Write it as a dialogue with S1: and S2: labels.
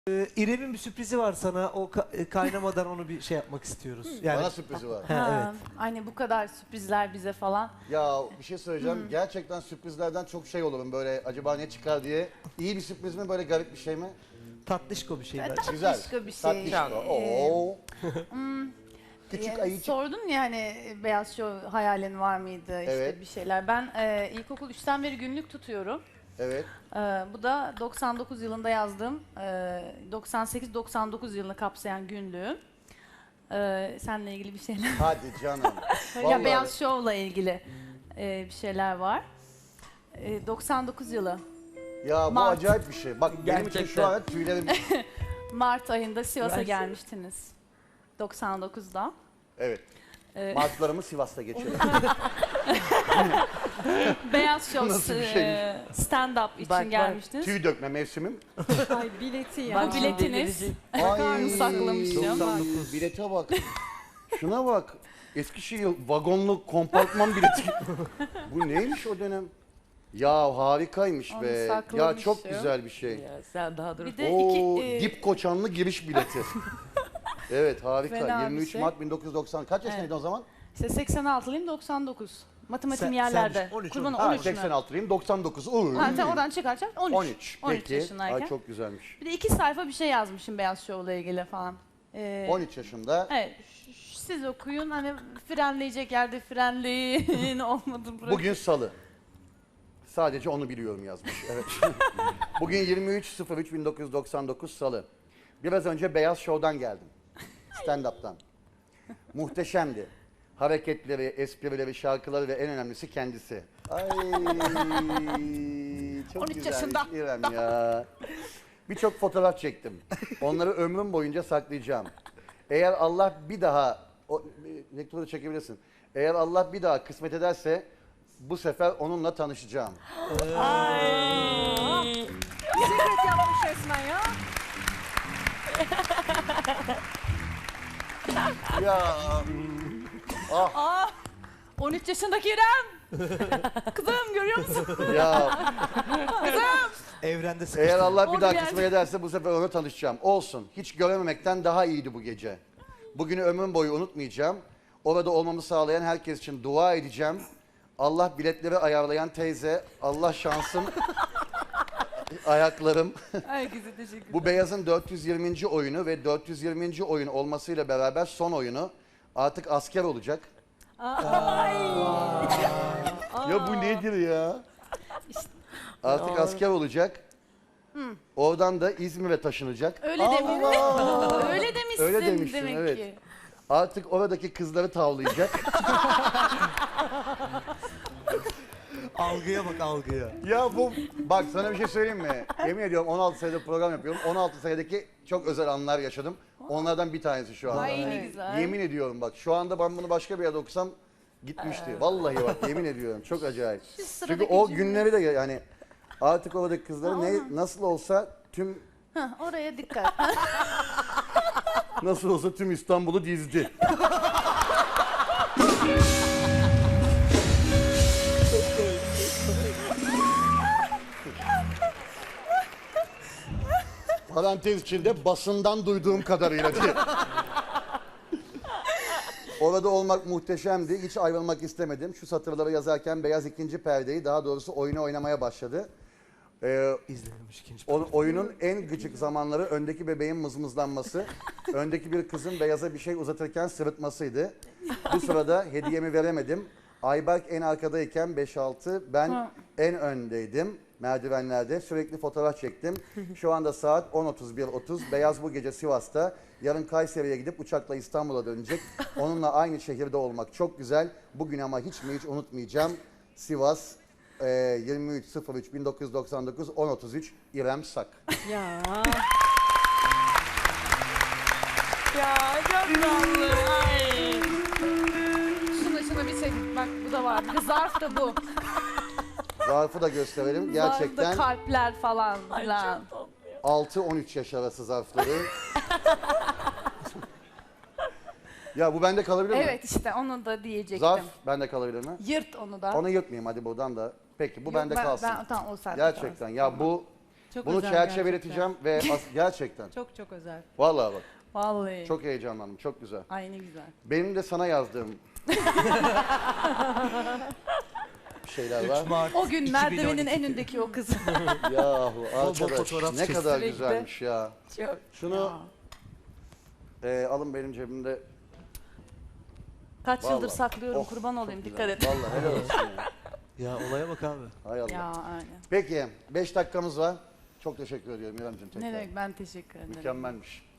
S1: İrem'in bir sürprizi var sana. O kaynamadan onu bir şey yapmak istiyoruz. Yani
S2: Bana sürprizi var.
S1: evet.
S3: Hani bu kadar sürprizler bize falan.
S2: Ya bir şey söyleyeceğim. Gerçekten sürprizlerden çok şey olurum böyle acaba ne çıkar diye. İyi bir sürpriz mi böyle garip bir şey mi?
S1: Tatlışko bir şey bence.
S2: Güzel.
S3: Tatlışko bir şey.
S2: Tatlışko. Oo. Küçük ayıcık.
S3: Sordun ya hani Beyaz Show hayalin var mıydı işte
S2: Evet.
S3: bir şeyler. Ben ilkokul 3'ten beri günlük tutuyorum.
S2: Evet.
S3: Bu da 99 yılında yazdığım 98-99 yılını kapsayan günlüğüm. Seninle ilgili bir şeyler.
S2: Hadi canım.
S3: Ya
S2: Vallahi.
S3: Beyaz Show'la ilgili bir şeyler var. 99 yılı.
S2: Ya bu
S3: Mart.
S2: acayip bir şey. Bak benim için şu an tüylerim...
S3: Mart ayında Sivas'a gelmiştiniz. 99'da.
S2: Evet.
S3: Ee,
S2: Martlarımı Sivas'ta geçiyorum.
S3: Beyaz Show
S2: Nasıl bir şeymiş?
S3: stand-up için gelmiştiniz.
S2: Tüy dökme mevsimim.
S3: Ay bileti ya.
S4: Bak
S3: Bu biletiniz.
S2: Ay.
S3: saklamışım.
S1: 99.
S2: Bilete bak. Şuna bak. Eskişehir vagonlu kompartman bileti. Bu neymiş o dönem? Ya harikaymış
S3: Onu
S2: be. Ya
S3: saklamışım.
S2: çok güzel bir şey.
S4: Ya sen daha dur.
S3: Bir de
S2: Oo,
S3: iki,
S2: dip koçanlı giriş bileti. Evet harika.
S3: Fena bir
S2: 23
S3: şey.
S2: Mart 1990. Kaç yaşındaydın o zaman?
S3: işte 86'lıyım 99. Matematiğim
S1: Sen-
S3: yerlerde.
S1: sen 13,
S3: Kurban
S2: Ha
S3: 13 mü?
S2: 86'lıyım 99.
S3: Ha, sen oradan çıkaracak 13.
S2: 13.
S3: 13
S2: Peki.
S3: yaşındayken.
S2: Ay çok güzelmiş.
S3: Bir de 2 sayfa bir şey yazmışım Beyaz Show'la ilgili falan.
S2: 13 yaşında.
S3: Evet. Siz okuyun hani frenleyecek yerde frenleyin olmadı bırakın.
S2: Bugün salı. Sadece onu biliyorum yazmış. Evet. Bugün 23.03.1999 salı. Biraz önce Beyaz Show'dan geldim. Stand-up'tan. Muhteşemdi. Hareketleri, esprileri, şarkıları ve en önemlisi kendisi. Ay çok
S3: 13
S2: güzelmiş
S3: yaşında.
S2: İrem ya. Birçok fotoğraf çektim. Onları ömrüm boyunca saklayacağım. Eğer Allah bir daha, o rektörü çekebilirsin. Eğer Allah bir daha kısmet ederse bu sefer onunla tanışacağım.
S3: Secret yapmış resmen ya.
S2: Ya
S3: 13 yaşındaki İrem. Kızım görüyor musun?
S2: ya
S1: Evrende
S2: eğer
S1: sıkıştı.
S2: Allah bir
S3: Orada
S2: daha
S3: bir
S2: kısmet
S3: yerde.
S2: ederse bu sefer onunla tanışacağım. Olsun. Hiç görememekten daha iyiydi bu gece. Bugünü ömrüm boyu unutmayacağım. Orada olmamı sağlayan herkes için dua edeceğim. Allah biletleri ayarlayan teyze, Allah şansım, ayaklarım.
S3: Herkese teşekkür ederim.
S2: Bu Beyaz'ın 420. oyunu ve 420. oyun olmasıyla beraber son oyunu artık asker olacak. Ya bu nedir ya? Artık asker olacak. Oradan da İzmir'e taşınacak.
S3: Öyle demiş. Öyle demişsin
S2: Öyle demişsin,
S3: demek
S2: evet.
S3: ki.
S2: Artık oradaki kızları tavlayacak.
S1: Algıya bak algıya.
S2: Ya bu bak sana bir şey söyleyeyim mi? Yemin ediyorum 16 senedir program yapıyorum. 16 senedeki çok özel anlar yaşadım. Onlardan bir tanesi şu anda.
S3: Ay ne güzel.
S2: Yemin ediyorum bak şu anda ben bunu başka bir yerde okusam gitmişti. Vallahi bak yemin ediyorum çok acayip.
S3: Şu sıradaki
S2: Çünkü o
S3: cümle.
S2: günleri de yani artık oradaki kızları nasıl olsa tüm
S3: Hah, oraya dikkat.
S2: nasıl olsa tüm İstanbul'u dizdi. Parantez içinde basından duyduğum kadarıyla diye. Orada olmak muhteşemdi. Hiç ayrılmak istemedim. Şu satırları yazarken Beyaz ikinci perdeyi, daha doğrusu oyunu oynamaya başladı.
S1: İzlememiş ikinci.
S2: Oyunun en gıcık zamanları öndeki bebeğin mızmızlanması, öndeki bir kızın Beyaz'a bir şey uzatırken sırıtmasıydı. Bu sırada hediyemi veremedim. Ayberk en arkadayken 5-6, ben en öndeydim merdivenlerde. Sürekli fotoğraf çektim. Şu anda saat 10.31.30. Beyaz bu gece Sivas'ta. Yarın Kayseri'ye gidip uçakla İstanbul'a dönecek. Onunla aynı şehirde olmak çok güzel. Bugün ama hiç mi hiç unutmayacağım. Sivas 23.03.1999 10.33 İrem Sak.
S3: Ya. Ya çok tatlı. Ay. Şuna bir şey. Bak bu da var. Bir de zarf da bu.
S2: Zarfı da gösterelim. Gerçekten
S3: Zarfta kalpler falan filan.
S2: 6-13 yaş arası zarfları. Ya bu bende kalabilir mi?
S3: Evet işte onu da diyecektim.
S2: Zarf bende kalabilir mi?
S3: Yırt onu da.
S2: Onu yırtmayayım hadi buradan da. Peki bu
S3: Yok,
S2: bende kalsın.
S3: Tamam o saatte
S2: Gerçekten
S3: kalsın.
S2: ya bu
S3: Çok
S2: Bunu
S3: özel
S2: çerçeveleteceğim ve gerçekten.
S3: Çok çok özel.
S2: Vallahi bak.
S3: Vallahi.
S2: Çok heyecanlandım. Çok güzel.
S3: Ay ne güzel.
S2: Benim de sana yazdığım şeyler var.
S1: Mart
S3: O gün
S1: 2012.
S3: merdivenin en öndeki o kız.
S2: Yahu arkadaş
S1: fotoğraf
S2: ne
S1: çeksin.
S2: kadar
S3: Sürekli.
S2: güzelmiş ya.
S3: Çok.
S2: Şunu
S3: Ya.
S2: alın benim cebimde.
S3: Kaç yıldır
S2: Vallahi.
S3: saklıyorum
S2: Oh,
S3: kurban
S2: çok
S3: olayım
S2: güzel.
S3: dikkat et.
S2: Vallahi helal olsun ya.
S1: Ya olaya bak abi.
S2: Hay Allah.
S3: Ya aynen.
S2: Peki 5 dakikamız var. Çok teşekkür ediyorum İremciğim tekrar.
S3: Ne demek ben teşekkür ederim.
S2: Mükemmelmiş.